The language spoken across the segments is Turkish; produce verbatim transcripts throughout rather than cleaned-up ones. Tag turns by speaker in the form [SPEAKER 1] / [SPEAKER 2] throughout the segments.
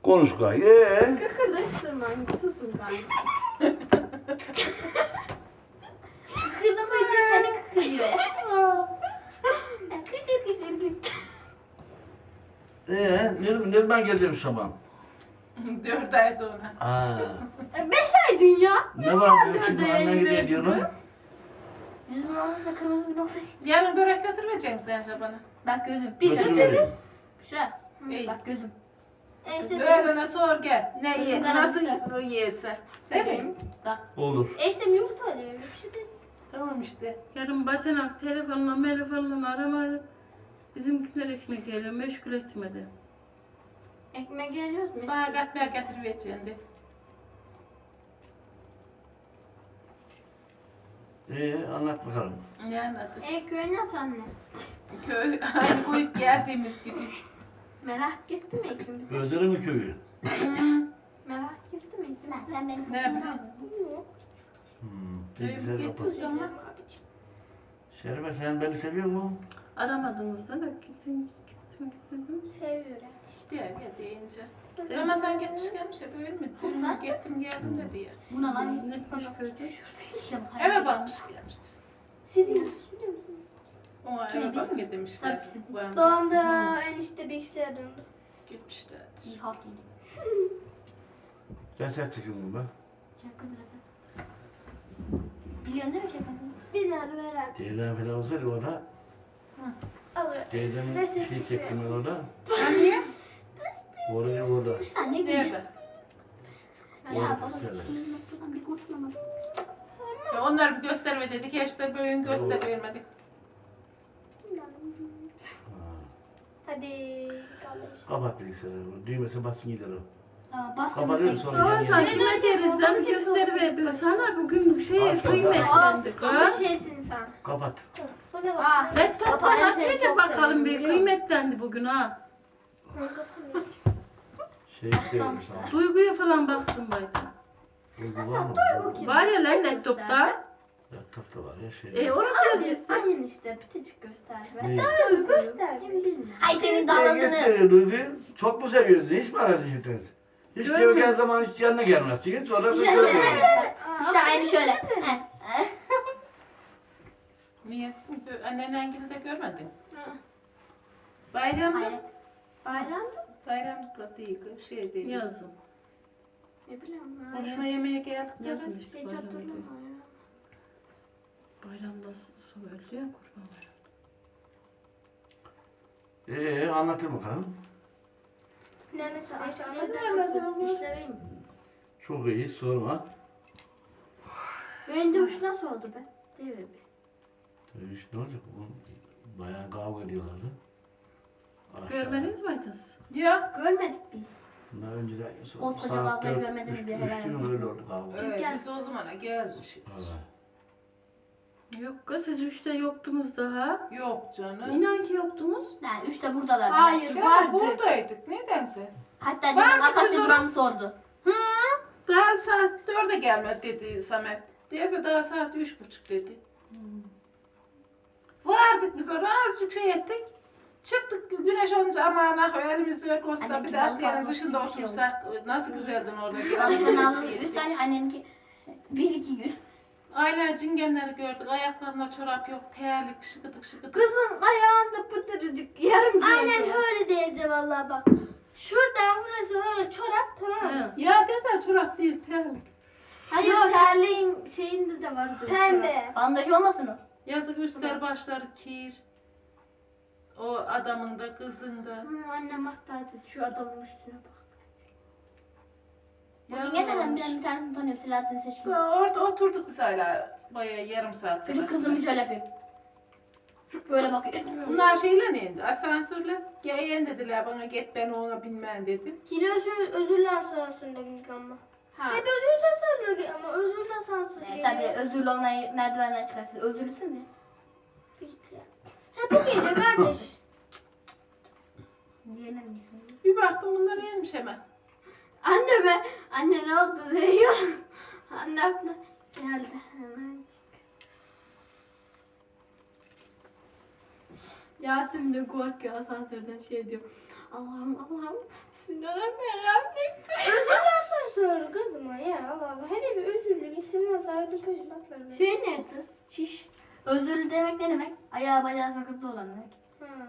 [SPEAKER 1] Konuş gay. Ee?
[SPEAKER 2] Kıkırdak durmayın. Susun gari. Kıkırdamayınca kendi kıkırıyor. Kıkır kıkır kıkır.
[SPEAKER 1] Ee, ne, ne zaman geleceğim sabah?
[SPEAKER 3] Dört ay sonra.
[SPEAKER 1] Aa.
[SPEAKER 2] Beş ay dünya.
[SPEAKER 1] Ne var diyor şimdi anne gidiyor diyorum.
[SPEAKER 2] Yüzüm ağzında kırmızı bir nokta.
[SPEAKER 3] Yarın börek götürmeyecek misin Şaban'a?
[SPEAKER 2] Bak gözüm. Bir
[SPEAKER 1] Götürüverim.
[SPEAKER 2] götürürüz. Şuraya.
[SPEAKER 3] İyi.
[SPEAKER 2] Bak gözüm. E işte
[SPEAKER 3] Öğlene sor gel. Ne
[SPEAKER 2] Gözüm
[SPEAKER 3] ye,
[SPEAKER 2] karardı.
[SPEAKER 3] nasıl yerse. Değil mi?
[SPEAKER 2] benim. Bak.
[SPEAKER 1] Olur.
[SPEAKER 2] E işte yumurta alıyor. Bir şey değil.
[SPEAKER 3] Tamam işte.
[SPEAKER 4] Yarın bacanak telefonla telefonla aramayıp bizimkiler ekmek geliyor meşgul etmedi.
[SPEAKER 2] Ekmek geliyoruz mu?
[SPEAKER 3] Sana katmer getirivereceğim de.
[SPEAKER 1] Ee, anlat bakalım.
[SPEAKER 3] Ne anladın?
[SPEAKER 2] E köy nasıl anne?
[SPEAKER 3] Köy aynı koyup geldiğimiz gibi.
[SPEAKER 2] Merak etti mi ikimiz?
[SPEAKER 1] Özleri mi köyü?
[SPEAKER 2] Merak etti mi ikimiz? Sen beni
[SPEAKER 3] Ne yapayım?
[SPEAKER 1] Hmm.
[SPEAKER 3] Köyü
[SPEAKER 1] Bilgisayar kapat.
[SPEAKER 3] getir ama.
[SPEAKER 1] Şerife sen beni seviyor musun?
[SPEAKER 4] Aramadığınızda da gittim gittim gittim.
[SPEAKER 2] Seviyorum.
[SPEAKER 3] İşte ya ya deyince. Ama sen gitmiş gelmiş ya böyle mi?
[SPEAKER 2] Bunlar-
[SPEAKER 3] Gittim geldim dedi ya.
[SPEAKER 2] Buna lan
[SPEAKER 4] Ne kuş gördü?
[SPEAKER 3] Eve bakmış gelmiştir.
[SPEAKER 2] Siz biliyor musunuz?
[SPEAKER 3] O
[SPEAKER 2] Köy
[SPEAKER 3] eve bak
[SPEAKER 2] değil mi?
[SPEAKER 3] demişler.
[SPEAKER 2] Tabii sizin.
[SPEAKER 3] Bu an
[SPEAKER 2] Doğan'da enişte bilgisayara döndü.
[SPEAKER 3] gitmişler.
[SPEAKER 2] İyi halk yedi.
[SPEAKER 1] Ben sen çekiyorum ben.
[SPEAKER 2] Şaka biraz. Biliyorsun değil mi şaka? Biliyorum herhalde.
[SPEAKER 1] Teyzem falan olsaydı orada.
[SPEAKER 2] Alıyor.
[SPEAKER 1] Teyzemin
[SPEAKER 2] Resim
[SPEAKER 1] şey
[SPEAKER 2] çıkıyor.
[SPEAKER 1] çektim ben orada.
[SPEAKER 3] Niye?
[SPEAKER 1] Oraya orada.
[SPEAKER 2] Sen ne
[SPEAKER 3] Nerede?
[SPEAKER 2] gülüyorsun?
[SPEAKER 1] Orada
[SPEAKER 2] Ya baba.
[SPEAKER 1] kızlar.
[SPEAKER 2] Noktadan bir kurtulamadım.
[SPEAKER 3] Ya onlar bir gösterme dedik ya işte bugün göster vermedik.
[SPEAKER 1] Ha.
[SPEAKER 2] Hadi kalış.
[SPEAKER 1] Kapat bilgisayarı. Düğmesi basın gider o.
[SPEAKER 2] Aa, bas
[SPEAKER 1] Kapatıyorum sonra
[SPEAKER 4] Aa
[SPEAKER 1] yeni
[SPEAKER 4] sen
[SPEAKER 1] yeni.
[SPEAKER 4] kime deriz lan gösteriverdi. Sana bugün bir şey
[SPEAKER 1] Aslında-
[SPEAKER 4] kıymetlendik
[SPEAKER 2] Ama
[SPEAKER 4] ha.
[SPEAKER 2] şeysin sen.
[SPEAKER 1] Kapat.
[SPEAKER 2] Bu ne bak?
[SPEAKER 4] Ah laptoptan
[SPEAKER 2] Kapağı
[SPEAKER 4] açınca
[SPEAKER 2] çok
[SPEAKER 4] bakalım
[SPEAKER 2] seviyorum,
[SPEAKER 4] bir
[SPEAKER 2] biliyor musun?
[SPEAKER 4] kıymetlendi bugün ha.
[SPEAKER 2] Kapanıyor.
[SPEAKER 1] Şey istiyorum sana.
[SPEAKER 4] Duyguya falan baksın bayda.
[SPEAKER 1] Uygu var mı?
[SPEAKER 2] Duygu kim?
[SPEAKER 4] Var ya lan laptopta.
[SPEAKER 1] Laptopta var ya şey.
[SPEAKER 4] E onu
[SPEAKER 2] Aynen,
[SPEAKER 4] gezmişsin.
[SPEAKER 2] aynen işte pitecik göster.
[SPEAKER 1] Ne?
[SPEAKER 2] Doğru göster. Kim bilmiyor. Ay senin
[SPEAKER 1] Ne
[SPEAKER 2] davranını.
[SPEAKER 1] gösteriyor Duygu'yu? Çok mu seviyorsun? Hiç mi aradın hiç? Hiç
[SPEAKER 4] Görmedim.
[SPEAKER 1] geldiği zaman hiç yanına gelmezsiniz. Sonra sen
[SPEAKER 2] İşte
[SPEAKER 1] görmüyorsun.
[SPEAKER 2] işte aynı şöyle. Eh, eh.
[SPEAKER 3] Niyesin? Annenden gibi de görmedin. Bayramda.
[SPEAKER 2] Hayret. Bayramda?
[SPEAKER 3] Bayramda değil, şey değil.
[SPEAKER 4] Yazın.
[SPEAKER 2] Ne bileyim ben.
[SPEAKER 3] Boşuna yemeğe geldik.
[SPEAKER 4] Yazın
[SPEAKER 2] Hiç
[SPEAKER 4] işte bayramda.
[SPEAKER 2] hatırlamıyorum ya.
[SPEAKER 4] Bayramda su öldü ya kurban bayramı.
[SPEAKER 1] Ee anlatır bakalım.
[SPEAKER 2] Nerede çalışan?
[SPEAKER 3] anladım.
[SPEAKER 2] İşleriyim.
[SPEAKER 1] Çok iyi sorma.
[SPEAKER 2] Benim dövüş nasıl oldu be? Değil mi?
[SPEAKER 1] Dövüş ne olacak? Bu bayağı kavga ediyorlardı. Aşağı.
[SPEAKER 4] Görmediniz mi Aytas?
[SPEAKER 3] Ya.
[SPEAKER 2] Görmedik biz.
[SPEAKER 1] Bunlar önceden
[SPEAKER 2] Koskoca kavgayı görmediniz diye helal
[SPEAKER 1] Üç gün
[SPEAKER 2] olsun.
[SPEAKER 1] öyle oldu kavga.
[SPEAKER 3] Evet,
[SPEAKER 2] gel.
[SPEAKER 3] biz o zamana gelmişiz.
[SPEAKER 1] Evet.
[SPEAKER 4] Yok kız siz üçte yoktunuz daha.
[SPEAKER 3] Yok canım.
[SPEAKER 4] İnan ki yoktunuz.
[SPEAKER 2] Yani üçte buradalar.
[SPEAKER 3] Hayır,
[SPEAKER 2] Vardı.
[SPEAKER 3] ya buradaydık. Nedense.
[SPEAKER 2] Hatta
[SPEAKER 3] Vardı
[SPEAKER 2] dedim
[SPEAKER 3] kız
[SPEAKER 2] akasya
[SPEAKER 3] orada.
[SPEAKER 2] buranı sordu.
[SPEAKER 3] Hı, daha saat dörde gelmedi dedi Samet. Diyese daha saat üç buçuk dedi. Vardık biz oraya azıcık şey ettik. Çıktık güneş olunca aman ah elimizi ver kosta
[SPEAKER 2] Anne,
[SPEAKER 3] bir de
[SPEAKER 2] balık
[SPEAKER 3] atlayanın
[SPEAKER 2] almak
[SPEAKER 3] dışında
[SPEAKER 2] gibi bir şey
[SPEAKER 3] otursak nasıl güzeldin orada.
[SPEAKER 2] Babamın ablamın
[SPEAKER 3] Şey
[SPEAKER 2] üç
[SPEAKER 3] ettik.
[SPEAKER 2] tane annemki bir iki gün.
[SPEAKER 3] Aynen cingenleri gördük. Ayaklarında çorap yok. Terlik şıkıdık şıkıdık.
[SPEAKER 2] Kızın ayağında pıtırcık yarım Aynen öyle teyze vallahi bak. Şurada burası öyle çorap tamam mı?
[SPEAKER 4] He.
[SPEAKER 3] Ya desen çorap değil terlik.
[SPEAKER 2] Hayır terliğin şeyinde de vardı. Pembe. Bandaj olmasın o?
[SPEAKER 3] Yazık üstler başları kir. O adamın da kızın da.
[SPEAKER 2] Hı, annem hatta şu adamın üstüne bak.
[SPEAKER 3] Yazık
[SPEAKER 2] Bugün neden
[SPEAKER 3] olmuş.
[SPEAKER 2] ben bir tanesini tanıyorum Selahattin Seçkin.
[SPEAKER 3] Ya orada oturduk biz hala bayağı yarım saat.
[SPEAKER 2] Çocuk kızımı şöyle yapıyor. Böyle bakıyor.
[SPEAKER 3] Bunlar şeyle ne indi? Asansörle. Gel dediler bana git ben ona binmem dedim.
[SPEAKER 5] Yine özür, özürlü asansöründe bindik ama.
[SPEAKER 3] Ha.
[SPEAKER 5] Hep özürlü asansörlü ama özürlü asansör
[SPEAKER 2] E,
[SPEAKER 5] geliyor.
[SPEAKER 2] tabii özürlü olmayı merdivenden çıkarsın. Özürlüsün mü?
[SPEAKER 5] Bitti. Hep bu geliyor kardeş.
[SPEAKER 2] Diyemiyorsun.
[SPEAKER 3] Bir baktım bunlar yemiş hemen.
[SPEAKER 5] Anne be, anne ne oldu diyor. Anne aklına geldi hemen.
[SPEAKER 2] Yasemin de korkuyor asansörden şey diyor.
[SPEAKER 5] Allah'ım Allah'ım. Bismillahirrahmanirrahim.
[SPEAKER 2] Özür sonra kızıma ya Allah Allah. Hele bir özürlü isim valla ödüm peşin atlarım.
[SPEAKER 5] Şey nerede? Şiş. Özürlü demek ne demek? Ayağı bacağı sakatlı olan demek.
[SPEAKER 2] Ha.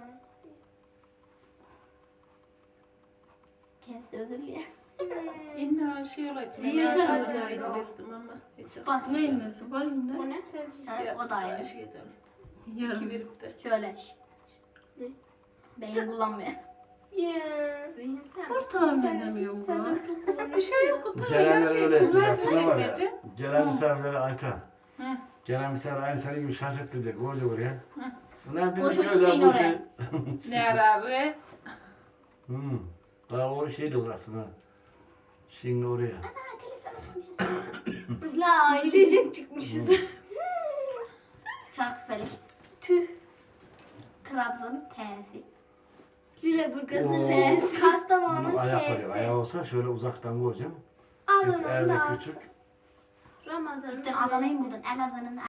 [SPEAKER 5] Kendisi özürlü ya.
[SPEAKER 3] İnna şey olaydı. Ben
[SPEAKER 5] Yüzden
[SPEAKER 3] aşağıdan
[SPEAKER 5] öyle.
[SPEAKER 3] ettim ama. Hiç
[SPEAKER 5] Bak
[SPEAKER 4] Ne innesi var inne?
[SPEAKER 2] O ne?
[SPEAKER 5] Evet, o da aynı.
[SPEAKER 3] Şeyden.
[SPEAKER 4] Yarım.
[SPEAKER 3] İki verip de.
[SPEAKER 5] Şöyle. Beyin kullanmıyor.
[SPEAKER 2] Ya.
[SPEAKER 5] Beyin sen.
[SPEAKER 4] Ortalama edemiyorum
[SPEAKER 2] Sen
[SPEAKER 4] bu.
[SPEAKER 2] çok kullanıyorsun.
[SPEAKER 3] Bir şey yok. Kutu
[SPEAKER 1] Gelenler öyle
[SPEAKER 3] tuzarsız
[SPEAKER 1] aslında var ya.
[SPEAKER 3] çekmece.
[SPEAKER 1] Gelen misafirleri Ayten.
[SPEAKER 3] Hı.
[SPEAKER 1] Gelen misafir aynı senin gibi şaşırttıracak. Koca buraya.
[SPEAKER 3] Hı.
[SPEAKER 1] Bunlar
[SPEAKER 5] Boş
[SPEAKER 1] bizim
[SPEAKER 5] boş
[SPEAKER 1] böyle
[SPEAKER 5] şeyin
[SPEAKER 1] bu
[SPEAKER 5] oraya.
[SPEAKER 1] şey.
[SPEAKER 3] Ne ararı?
[SPEAKER 1] Hmm. Daha o şey de orası ha. Şimdi oraya.
[SPEAKER 5] La ailecek çıkmışız. Çarkıfelek. Tüh. Trabzon'un T'si. Lüleburgaz'ın
[SPEAKER 1] Oo.
[SPEAKER 5] L'si.
[SPEAKER 2] Kastamonu'nun
[SPEAKER 1] Bunun ayak var ya.
[SPEAKER 2] K'si.
[SPEAKER 1] Ayağı olsa şöyle uzaktan koyacağım. Biz
[SPEAKER 2] Adana'nın
[SPEAKER 1] elde
[SPEAKER 2] da.
[SPEAKER 1] küçük.
[SPEAKER 2] Ramazan'ın
[SPEAKER 5] Gittin Adana'yı mı buldun? Elazığ'ın